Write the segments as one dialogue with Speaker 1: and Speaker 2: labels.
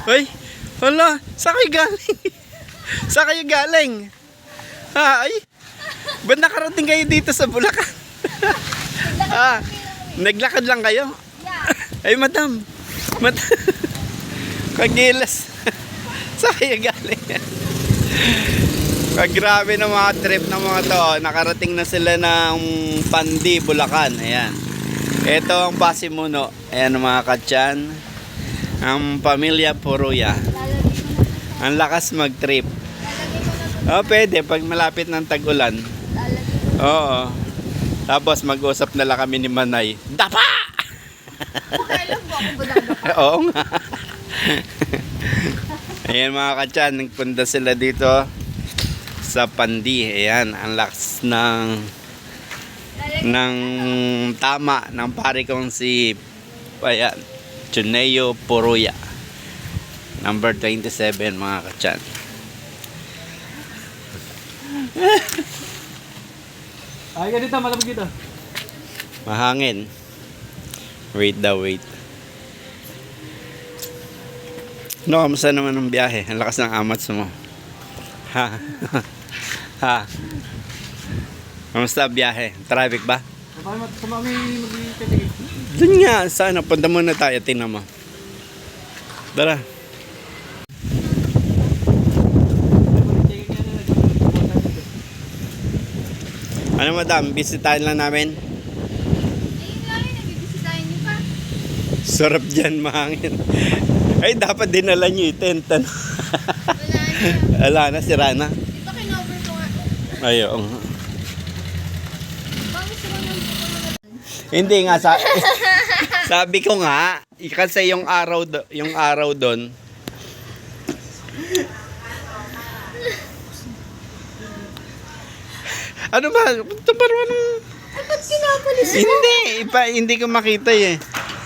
Speaker 1: Uy, hala, saan kayo galing? Saan kayo galing? Ha, ay? Ba't nakarating kayo dito sa Bulacan? Naglakad lang kayo? Ay, madam. Kagilas. Saan kayo galing? Grabe na mga trip ng mga to. Nakarating na sila ng Pandi, Bulacan. Ayan. Ito ang Basimuno. Ayan mga katyan. Ang pamilya Puruya. Ang lakas mag-trip. Oh, pwede pag malapit ng tag-ulan. Oo. Tapos mag-usap na lang kami ni Manay. Dapa! Oo nga. Ayan mga katyan, nagpunta sila dito sa Pandi. Ayan, ang lakas ng tama ng pare kong si ayan, Juneo Puruya. Number 27 mga katyan.
Speaker 2: Ay, ganito, malamig dito.
Speaker 1: Mahangin. Wait daw, wait. No, kamusta naman ang biyahe? Ang lakas ng amats mo. Ha? Ha? Kamusta ang biyahe? Traffic ba?
Speaker 2: Sa mami mag-titigil.
Speaker 1: Doon nga, sana. Punta muna tayo, tingnan mo. Tara. Ano madam, bisitahin lang namin?
Speaker 3: Ayun lang yun, nabibisitahin niyo pa.
Speaker 1: Sarap dyan, mahangin. Ay, dapat dinala nyo yung tent. Ano?
Speaker 3: Wala na.
Speaker 1: Wala na, sira na.
Speaker 3: Dito kinover ko nga.
Speaker 1: Ayun.
Speaker 3: Bakit sila nang
Speaker 1: Hindi nga, sabi ko nga, kasi yung araw doon, ano ba? Ito parang
Speaker 3: ba't kinapalis mo?
Speaker 1: hindi ko makita eh.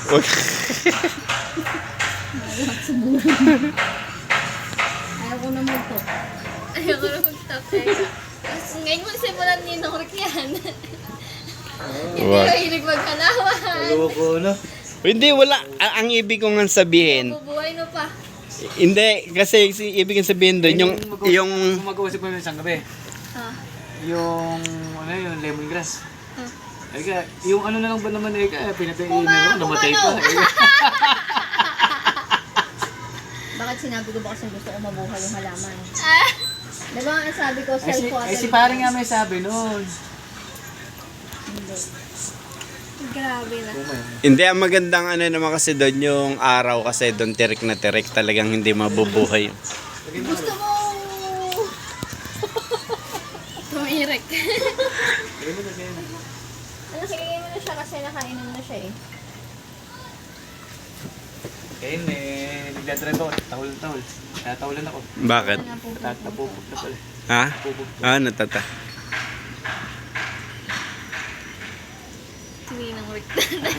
Speaker 3: Ayaw ko na mag-talk. Ayaw ko na mag-talk eh. Tapos ngayon mo simulan ni Norik yan. Hindi
Speaker 1: Wag.
Speaker 3: ko hilig maghalawan.
Speaker 2: Loko, no?
Speaker 1: Hindi, wala. Ang ibig ko nga sabihin,
Speaker 3: Bubuhay mo pa.
Speaker 1: hindi, kasi ibig kong sabihin doon, yung
Speaker 2: Gumagawa si Pamela isang gabi.
Speaker 3: Ah.
Speaker 2: Yung, ano yun, lemongrass.
Speaker 3: Ah.
Speaker 2: Ay ka, yung ano na lang ba naman eh, pinatay namatay pa.
Speaker 3: Bakit sinabi ko ba kasi gusto ko mabuhay yung halaman?
Speaker 1: Ah.
Speaker 3: Diba ang sabi ko,
Speaker 2: Ay si pare nga may sabi noon.
Speaker 3: Hindi. Grabe na.
Speaker 1: Hindi, ang magandang ano naman kasi doon yung araw kasi doon tirik na tirik talagang hindi mabubuhay.
Speaker 3: Gusto mo tumirik. Nakikingin mo na siya kasi nakainom na siya eh.
Speaker 2: Ayun eh, nagdadrive ako, tahol. Tatahulan ako.
Speaker 1: Bakit?
Speaker 2: Napupog na pala.
Speaker 1: Ha?
Speaker 2: Napupog.
Speaker 1: Natata.
Speaker 3: Hindi nang Rick.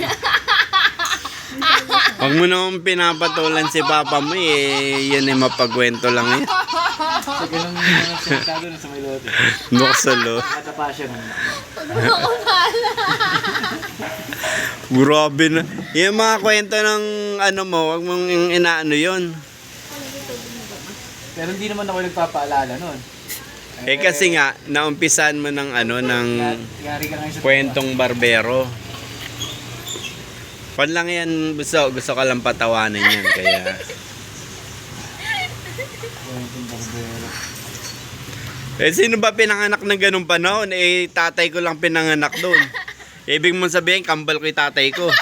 Speaker 1: Huwag mo naman pinapatulan si papa mo eh. Yan eh, mapagwento lang eh.
Speaker 2: So, ganun yung sentado na sa may lote.
Speaker 1: Buksalo.
Speaker 2: Natapa siya nun.
Speaker 3: Huwag mo pala.
Speaker 1: Grabe na. Yung mga kwento ng ano mo, huwag mong inaano yun.
Speaker 2: Pero hindi naman ako nagpapaalala nun.
Speaker 1: Eh kasi nga, naumpisan mo ng ano, ng
Speaker 2: Yari ka ngayon sa
Speaker 1: kwentong barbero. Pan lang yan, gusto ka lang patawanan yan, kaya...
Speaker 2: kwentong barbero.
Speaker 1: Eh, sino ba pinanganak ng ganung panahon? Eh, tatay ko lang pinanganak doon. Ibig mong sabihin, kambal ko yung tatay ko.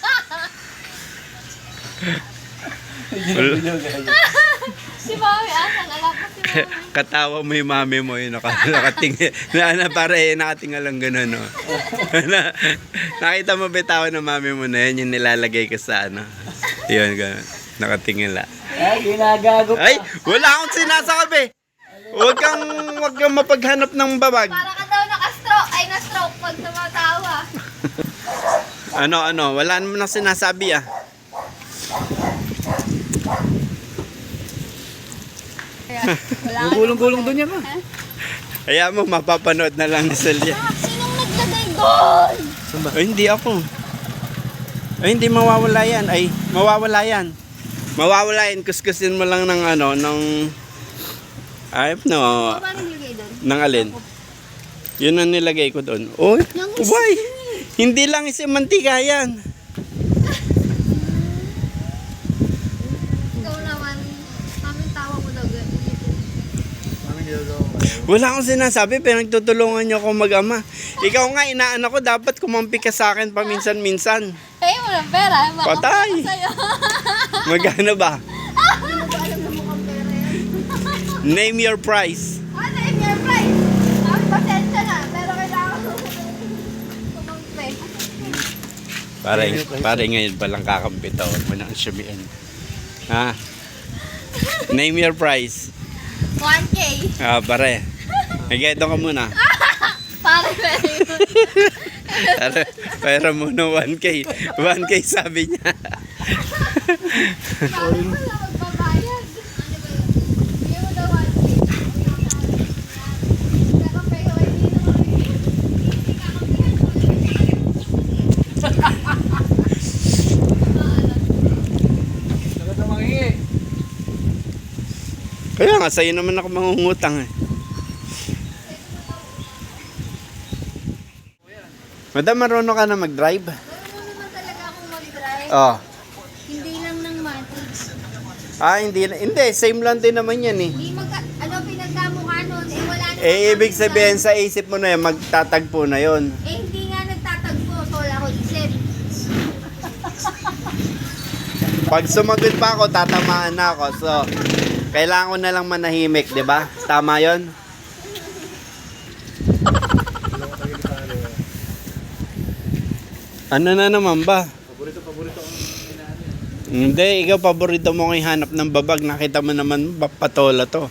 Speaker 3: Si Mami, asan? Alam ko si Mami.
Speaker 1: Katawa mo yung mami mo, yung nakatingin. Para nakatinga lang gano'n, no? Nakita mo ba yung tawa ng mami mo na yun, yung nilalagay ka sa ano? Yun, gano'n. Nakatingin lang.
Speaker 2: Ay, ginagago pa.
Speaker 1: Ay, wala akong sinasabi. Huwag kang mapaghanap ng babag.
Speaker 3: Para ka daw na-stroke pag tumatawa.
Speaker 1: Ano, wala naman akong sinasabi ah.
Speaker 2: Gulong-gulong doon yan ba?
Speaker 1: Kaya mo, mapapanood na lang ni Celia.
Speaker 3: Sinong naglagay doon?
Speaker 1: Ay, hindi ako. Ay, hindi mawawala yan. Ay, mawawala yan. Mawawala yun, kuskusin mo lang ng ano, ng... Ay, no.
Speaker 3: Paano nilagay doon?
Speaker 1: Ng alin? Yun ang nilagay ko doon. Uy, ubay! Hindi lang isang mantika yan.
Speaker 3: Ikaw naman, kaming tawa mo daw.
Speaker 2: Mami niloloko kayo.
Speaker 1: Wala akong sinasabi, pero nagtutulungan niyo ako mag-ama. Ikaw nga, inaanak ko, dapat kumampi ka sa akin paminsan-minsan.
Speaker 3: Kaya mo ng pera.
Speaker 1: Patay.
Speaker 3: Sa'yo.
Speaker 1: Magkano ba?
Speaker 3: Hindi mo ba alam na mukhang pera yan?
Speaker 1: Name your price.
Speaker 3: Ano yung your price? Ang pasensya na, pero kailangan mo kumampi.
Speaker 1: Pare ngayon palang kakampi to. Huwag mo nang sabihin. Ha? Name your price.
Speaker 3: 1K.
Speaker 1: Ah, pare. Nag-eto ka muna.
Speaker 3: Pare, pera yun.
Speaker 1: Pera muna 1K. 1K sabi niya.
Speaker 3: Pare mo na magbabayad. Ano ba yun? Bigyan mo daw 1K. Pero kayo ay hindi
Speaker 2: Dapat na mangingi.
Speaker 1: Kaya nga, sa'yo naman ako mangungutang eh. Madam, marunong ka na mag-drive?
Speaker 3: Marunong naman talaga akong mag-drive.
Speaker 1: Oh.
Speaker 3: Hindi lang ng matrix.
Speaker 1: Ah, hindi. Same lang din naman yan eh.
Speaker 3: Hindi ano pinagkamukha nun? Eh wala naman.
Speaker 1: Eh, ibig sabihin sa isip mo na yan, magtatagpo na yon.
Speaker 3: Eh hindi nga nagtatagpo. So wala ko isip.
Speaker 1: Pag sumagot pa ako, tatamaan na ako. So, kailangan ko na lang manahimik, di ba? Tama yon. Ano na naman ba?
Speaker 2: Paborito ang inaano.
Speaker 1: Hindi, ikaw paborito mo kong ihanap ng babag. Nakita mo naman, patola to.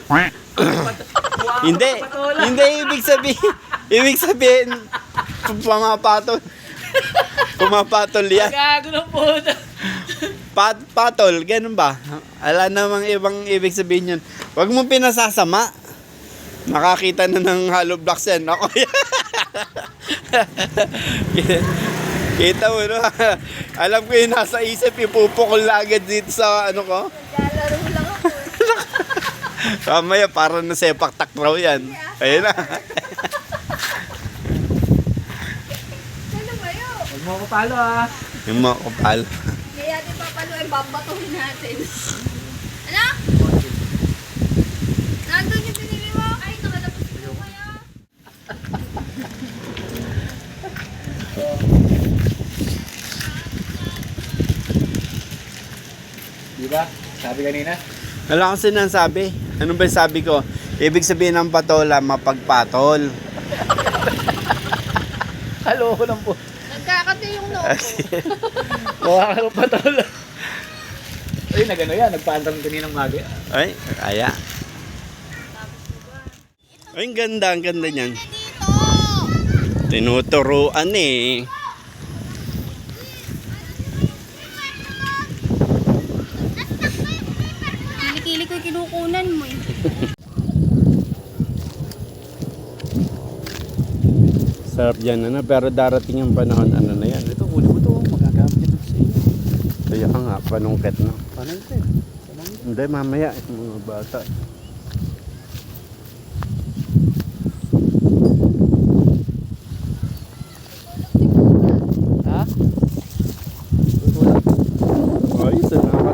Speaker 1: Hindi, hindi ibig sabihin, pumapatol. Pumapatol yan.
Speaker 2: Gago ng puta.
Speaker 1: Patol, ganun ba? Ala namang ibang ibig sabihin yun. Huwag mo pinasasama. Nakakita na ng hollow blocks yan. Ako yan. Kita mo, no? Alam ko yung nasa isip, ipupukol na agad dito sa ano ko.
Speaker 3: Naglalaro lang ako.
Speaker 1: Kamaya, parang nasepak takraw yan. Ayun na.
Speaker 3: Ano ba yun?
Speaker 2: Huwag mo ako palo ah.
Speaker 1: Yung mga kupal.
Speaker 3: Kaya natin papalo ay babatuhin natin. Ano? Nandun yung pinili mo? Ay, nakalabas ko kaya.
Speaker 2: Diba? Sabi kanina.
Speaker 1: Wala akong sinasabi. Ano ba yung sabi ko? Ibig sabihin ng patola, mapagpatol.
Speaker 2: Halo ko ng puta.
Speaker 3: Nagkakati yung noo ko.
Speaker 2: Mukha ka ng patola. Ay, nagano yan. Nagpaantang kaninang maga.
Speaker 1: Ay, kaya. Ay, ang ganda niyan.
Speaker 3: Dito!
Speaker 1: Tinuturuan eh.
Speaker 3: Kilikili ko yung kinukunan mo eh.
Speaker 1: Sarap dyan, ano? Pero darating yung panahon, ano na yan.
Speaker 2: Ito, huli mo to. Magagamit ito sa iyo.
Speaker 1: Kaya nga, panungket na.
Speaker 2: Paano ito eh?
Speaker 1: Hindi, mamaya, itong mga bata.
Speaker 2: Ha?
Speaker 1: Ay, salamat.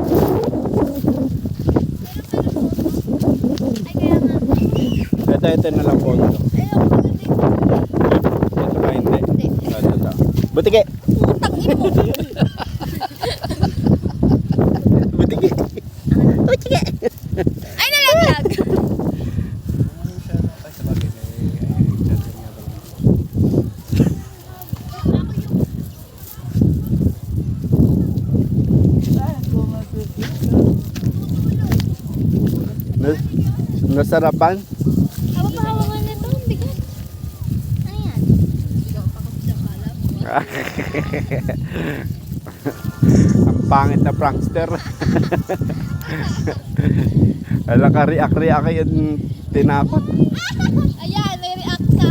Speaker 3: Ay, kaya nga.
Speaker 1: Ito na lang po. Ito
Speaker 3: Ay, ako maganda yung
Speaker 1: ba hindi?
Speaker 3: Hindi.
Speaker 1: Ito. Butike!
Speaker 3: utang ina mo.
Speaker 1: Butike!
Speaker 3: Utike. Ay, nalaglag.
Speaker 1: Nasarapan?
Speaker 3: Ako pa hawangan nito. Ang bigat. Ano yan? Ikaw pa kasi sa kalap.
Speaker 1: Ang pangit na prankster. Alam ka, react yung tinakot.
Speaker 3: Ayan, may react ka.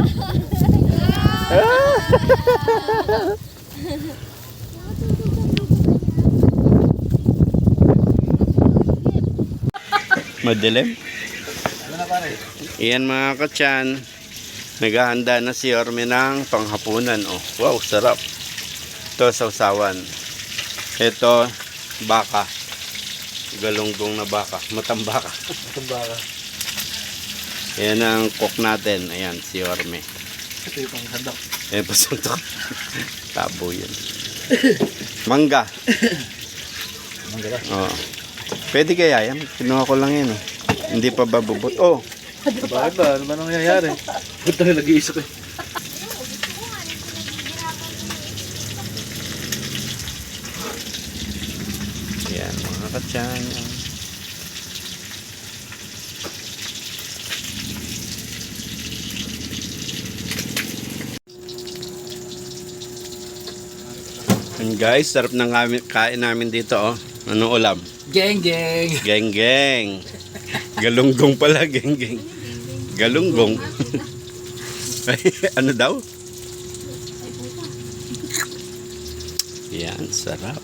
Speaker 1: Madilim.
Speaker 2: Ano na pare?
Speaker 1: Iyan mga katyan. Naghahanda na si Orme ng panghapunan. Oh, wow, sarap. Ito, sausawan. Ito, baka. Galunggong na baka. Matambaka.
Speaker 2: Tumbaka.
Speaker 1: Ayan ang cook natin. Ayan, si Orme.
Speaker 2: Ito yung pang sandok.
Speaker 1: Ayan, pasuntok. Tabo yan. Mangga.
Speaker 2: Manggala.
Speaker 1: Oh. Pwede kaya yan? Kinuha ko lang yan. Hindi pa babubot. Oh,
Speaker 2: Bakit ba? Ano ba nangyayari? Ba't tayo nag-iisip eh?
Speaker 1: yan mga katyan. And guys, sarap ng kain namin dito, oh. Anong ulam?
Speaker 2: Geng geng!
Speaker 1: Geng geng. Galunggong pala, geng geng. Galunggong. Ay, ano daw? Yan, sarap.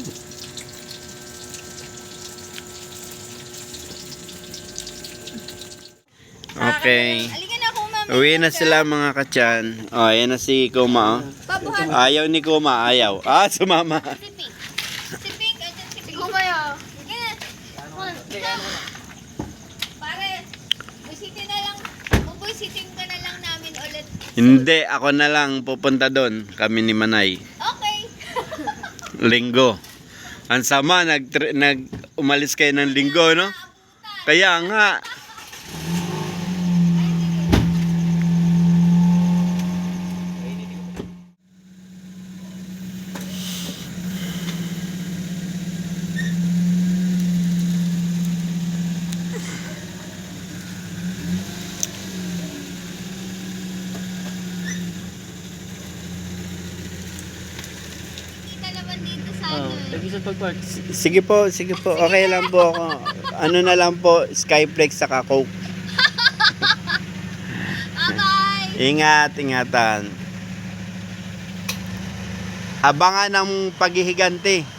Speaker 1: Okay.
Speaker 3: Halika na, Kuma.
Speaker 1: Uwi na sila mga katyan. Oh, ayan na si Kuma, oh.
Speaker 3: Pabuhat.
Speaker 1: Ayaw ni Kuma, ayaw. Ah, sumama.
Speaker 3: Si Pink. Si Pink, andyan si Pink. Kuma yun. Sige na. Pare, busitin na lang. Bubusitin ka na lang namin ulit.
Speaker 1: Hindi, ako na lang pupunta doon. Kami ni Manay.
Speaker 3: Okay.
Speaker 1: Linggo. Ang sama, umalis kayo ng linggo, no? Kaya nga.
Speaker 3: Kita naman dito sa ano eh.
Speaker 2: Tag-isip pag-park.
Speaker 1: Sige po, sige po. Okay lang po ako. Ano na lang po, Skyflex saka Coke.
Speaker 3: Bye-bye.
Speaker 1: Ingat, ingatan. Abangan ng paghihiganti.